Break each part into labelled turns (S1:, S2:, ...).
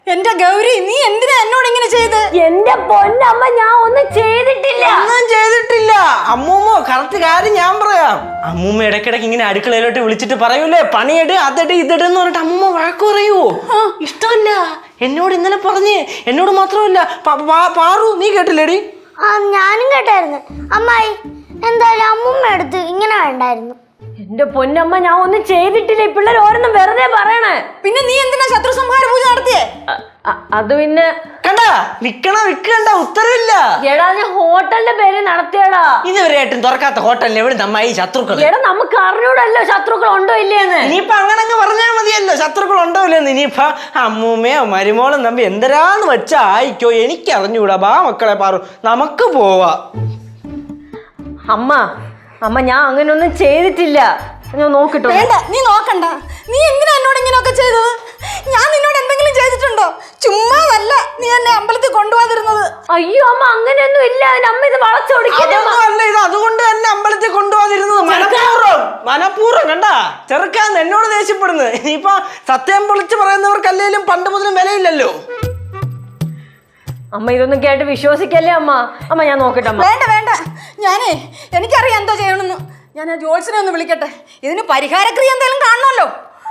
S1: എന്റെ ഗൗരി, നീ എന്തിനാ എന്നോട് ഇങ്ങനെ ചെയ്ത്?
S2: എന്റെ പൊന്നമ്മ, ഞാൻ ഒന്നും ചെയ്തിട്ടില്ല.
S3: ഒന്നും ചെയ്തിട്ടില്ല അമ്മൂമ്മ. കറക്റ്റ് കാര്യം ഞാൻ പറയാം. അമ്മൂമ്മ ഇടയ്ക്കിടയ്ക്ക് ഇങ്ങനെ അടുക്കളയിലോട്ട് വിളിച്ചിട്ട് പറയൂലേ, പണിയെട് അതെട് ഇതെടുന്ന് പറഞ്ഞിട്ട് അമ്മൂമ്മ വഴക്ക് പറയൂ. ഇഷ്ടമല്ല. എന്നോട് ഇന്നലെ പറഞ്ഞ്, എന്നോട് മാത്രമല്ല പാറു, നീ കേട്ടില്ലേടി?
S4: ഞാനും കേട്ടായിരുന്നു. അമ്മായി എന്തായാലും അമ്മൂമ്മ എടുത്ത് ഇങ്ങനെ വേണ്ടായിരുന്നു.
S2: എന്റെ പൊന്നമ്മ, ഞാൻ ഒന്നും ചെയ്തിട്ടില്ല. ഈ പിള്ളേർ ഓരോന്നും വെറുതെ പറയണേ.
S1: പിന്നെ നീ എന്തിനാ ശത്രു സംഹാര പൂജ നടത്തിയേ?
S2: അത് പിന്നെ
S3: കണ്ട വിൽക്കണ്ട ഉത്തരവില്ല.
S2: എടാ, ഞാൻ ഹോട്ടലിന്റെ പേര് നടത്തിയടാ.
S3: ഇതുവരെയായിട്ടും തുറക്കാത്ത ഹോട്ടലിന് എവിടെ നമ്മായി ശത്രുക്കൾ?
S2: എടാ, നമുക്ക് അറിഞ്ഞൂടല്ലോ ശത്രുക്കൾ ഉണ്ടോ ഇല്ലേന്ന്.
S3: ഇനിയിപ്പൊ അങ്ങനെ പറഞ്ഞാൽ മതിയല്ലോ ശത്രുക്കൾ ഉണ്ടോ ഇല്ലെന്ന്. ഇനിയിപ്പൊ അമ്മൂമ്മയോ മരുമോളും തമ്പി എന്തരാന്ന് വെച്ചാ ആയിക്കോ, എനിക്ക് അറിഞ്ഞൂടാ. ബാ മക്കളെ പാറു, നമുക്ക് പോവാ.
S2: അമ്മ ഞാൻ അങ്ങനെയൊന്നും ചെയ്തിട്ടില്ല. ഞാൻ നോക്കിട്ടോ.
S1: വേണ്ട, നീ നോക്കണ്ട. നീ എന്തിനാ എന്നോട് ഇങ്ങനെയൊക്കെ ചെയ്തത്? ഞാൻ നിന്നോട് എന്തെങ്കിലും ചെയ്തിട്ടുണ്ടോ? ചുമ്മാതല്ല നീ എന്നെ അമ്പലത്തിൽ കൊണ്ടുപോകാതിരുന്നത്.
S2: അയ്യോ അമ്മ, അങ്ങനെയൊന്നും ഇല്ല. അമ്മ ഇത് വളച്ചൊടിക്കല്ല.
S3: ഇത് അതുകൊണ്ട് തന്നെ അമ്പലത്തിൽ കൊണ്ടുപോകാതിരുന്നത് മനഃപൂർവ്വം. കണ്ട ചെറുക്കാന്ന് എന്നോട് ദേഷ്യപ്പെടുന്നത്. ഇനിയിപ്പൊ സത്യം പൊളിച്ച് പറയുന്നവർക്കല്ലേലും പണ്ട് മുതലും വിലയില്ലല്ലോ.
S2: അമ്മ ഇതൊന്നും കേട്ട് വിശ്വസിക്കല്ലേ അമ്മ ഞാൻ നോക്കട്ടെ.
S1: വേണ്ട, എനിക്കറിയാം എന്തോ ചെയ്യണമെന്ന്. ഞാൻ ആ ജോത്സ്യനെ ഒന്ന് വിളിക്കട്ടെ. ഇതിന് പരിഹാരക്രിയ എന്തെങ്കിലും കാണണമല്ലോ.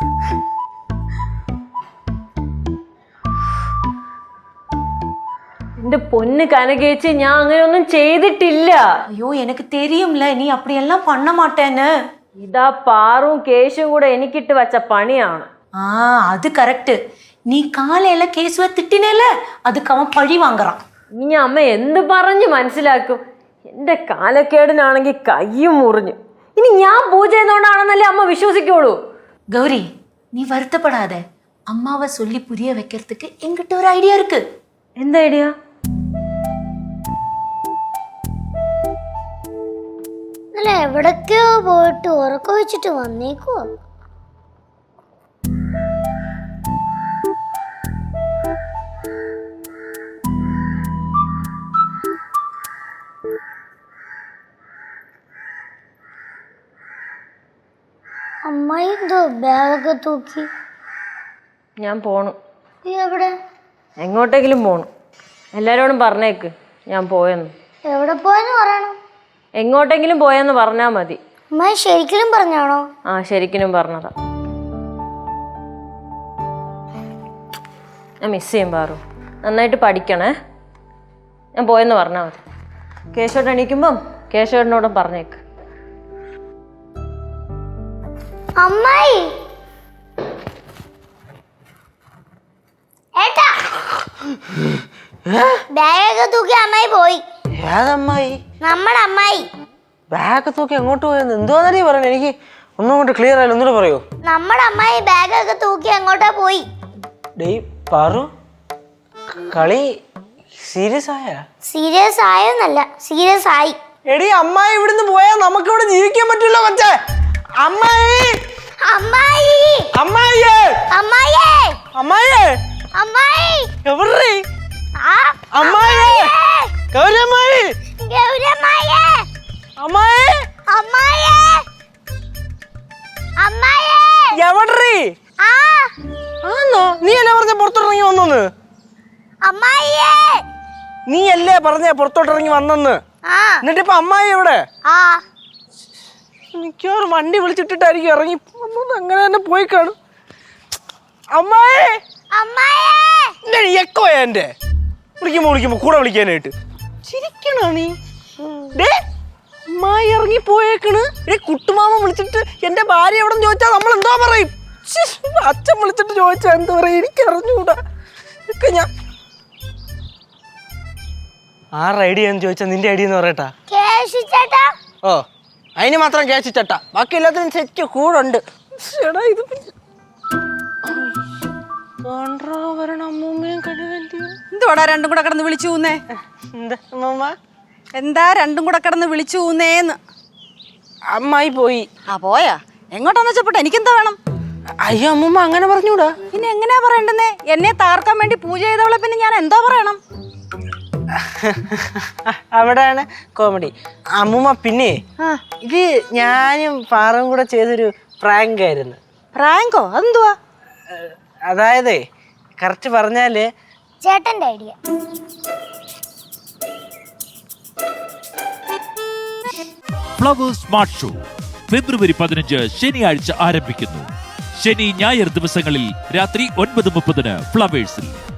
S2: എന്റെ പൊന്ന് കനകേച്ചി, ഞാൻ അങ്ങനെയൊന്നും ചെയ്തിട്ടില്ല.
S5: ஐயோ எனக்கு தெரியும்ல நீ அப்படியெல்லாம் பண்ண மாட்டேன்னு.
S2: ഇതാ പാറും കേശും കൂടെ എനിക്കിട്ട് വച്ച പണിയാണ്.
S5: அது கரெக்ட். நீ காலையில கேசுவ திட்டினேல, அதுக்கு அவன் பழி வாங்குறான்.
S2: ഇനി അമ്മ എന്ത് പറഞ്ഞു മനസ്സിലാക്കും? എന്റെ കാലക്കേടിനാണെങ്കിൽ കയ്യും മുറിഞ്ഞു. ഇനി ഞാൻ പൂജ ചെയ്യുന്നോണ്ടാണെന്നല്ലേ അമ്മ വിശ്വസിക്കുള്ളൂ.
S5: கௌரி, நீ வருத்தப்படாத. அம்மாவை சொல்லி புரிய வைக்கிறதுக்கு என்கிட்ட ஒரு ஐடியா இருக்கு.
S2: എന്താ ഐഡിയ?
S4: അല്ല, എവിടൊക്കെയോ പോയിട്ട് ഉറക്കം വെച്ചിട്ട് വന്നേക്കുവോ? അമ്മായി എന്തോ ബാഗൊക്കെ തൂക്കി.
S2: ഞാൻ പോണു.
S4: നീ എവിടെ?
S2: എങ്ങോട്ടെങ്കിലും പോണു. എല്ലാരോടും പറഞ്ഞേക്ക് ഞാൻ പോയെന്ന്.
S4: എവിടെ പോയെന്ന് പറയണം.
S2: എങ്ങോട്ടെങ്കിലും പോയെന്ന് പറഞ്ഞാ മതി.
S4: അമ്മായി ശരിക്കും പറഞ്ഞാണോ?
S2: ശരിക്കും പറഞ്ഞതാ. ഞാൻ മിസ് ചെയ്യും പാറു. നന്നായിട്ട് പഠിക്കണേ. ഞാൻ പോയെന്ന് പറഞ്ഞാൽ മതി. കേശോട്ട് എണീക്കുമ്പം കേശോട്ടിനോടും പറഞ്ഞേക്ക്.
S4: അമ്മായി, ഏട്ടാ, ബാഗൊക്കെ തൂക്കി അമ്മായി പോയി.
S3: ഏതമ്മായി?
S4: നമ്മുടെ അമ്മായി.
S3: ബാഗ് തൂക്കി എങ്ങോട്ട് പോയെന്ന് എന്തോന്നറിയ പറഞ്ഞു? എനിക്ക് ഒന്നും കൊണ്ട് ക്ലിയർ ആയില്ല. ഒന്നുകൂടെ പറയൂ.
S4: നമ്മുടെ അമ്മായി ബാഗൊക്കെ തൂക്കി എങ്ങോട്ടാ പോയി?
S3: ഡേയ് പാറു, കളി സീരിയസ് ആയ?
S4: സീരിയസ് ആയെന്നല്ല, സീരിയസ് ആയി.
S3: എടി അമ്മായി ഇവിടുന്ന് പോയാൽ നമുക്ക് ഇവിടെ ജീവിക്കാൻ പറ്റില്ല മച്ചേ. അമ്മായി,
S4: അമ്മായി,
S3: അമ്മായിയേ,
S4: അമ്മായിയേ,
S3: അമ്മായിയേ,
S4: അമ്മായി,
S3: എവിടെ?
S4: ആ
S3: അമ്മായിയേ, ഗൗരമ്മായി,
S4: ഗൗരമ്മായേ,
S3: അമ്മായി,
S4: അമ്മായിയേ, അമ്മായിയേ,
S3: എവിടെ? ആന്നോ? നീ അല്ലേ പറഞ്ഞ പുറത്തോട്ടിറങ്ങി വന്നെന്ന്?
S4: അമ്മായിയേ,
S3: നീ അല്ലേ പറഞ്ഞ പുറത്തോട്ടിറങ്ങി വന്നെന്ന്? എന്നിട്ടിപ്പൊ അമ്മായി എവിടെ? മിക്കവാറും വണ്ടി വിളിച്ചിട്ടിട്ടായിരിക്കും ഇറങ്ങി അങ്ങനെ തന്നെ പോയി കാണും. അമ്മായി, എക്കോ എന്റെ വിളിക്കുമ്പോ കൂടെ വിളിക്കാനായിട്ട് ചിരിക്കണോ നീ? അമ്മായി ഇറങ്ങി പോയേക്കണ്. കുട്ടുമാമ വിളിച്ചിട്ട് എന്റെ ഭാര്യ എവിടെ ചോദിച്ചാൽ നമ്മൾ എന്തോ പറയും? അച്ഛൻ വിളിച്ചിട്ട് ചോദിച്ചാ എന്താ പറയാ? എനിക്ക് അറിഞ്ഞൂടാ. ഞാൻ ആരുടെ ഐഡിയ എന്ന് ചോദിച്ചാ നിന്റെ ഐഡിയ എന്ന് പറയട്ടാ. ഓ, അതിന് മാത്രം ക്യാഷ് ചട്ട, ബാക്കി എല്ലാത്തിനും സെറ്റ് കൂടുണ്ട്.
S1: എന്തുവാടാ രണ്ടും കൂടെ കിടന്ന് വിളിച്ചു ഊന്നേ? എന്താ രണ്ടും കൂടെ കിടന്ന് വിളിച്ചു ഊന്നേന്ന്?
S3: അമ്മായി പോയി.
S1: പോയാ? എങ്ങോട്ടാന്ന് വെച്ചപ്പോട്ടെ, എനിക്കെന്താ വേണം?
S3: അയ്യോ അമ്മൂമ്മ അങ്ങനെ പറഞ്ഞൂടാ.
S1: പിന്നെ എങ്ങനെയാ പറയണ്ടെന്നേ? എന്നെ താർക്കാൻ വേണ്ടി പൂജ ചെയ്തവളെ പിന്നെ ഞാൻ എന്തോ പറയണം?
S3: അവിടെയാണ് കോമഡി. അമ്മൂമ്മ പിന്നെ ഇത് ഞാനും പാറും കൂടെ ചെയ്തൊരു പ്രാങ്ക് ആയിരുന്നു.
S1: പ്രാങ്കോ? അതെന്തുവാ?
S3: അതായത് കറക്റ്റ് പറഞ്ഞാല്
S4: ചേട്ടന്റെ idea.
S6: Flowers smart show February 15 ശനിയാഴ്ച ആരംഭിക്കുന്നു. ശനി ഞായർ ദിവസങ്ങളിൽ രാത്രി 9:30 ഫ്ലവേഴ്സിൽ.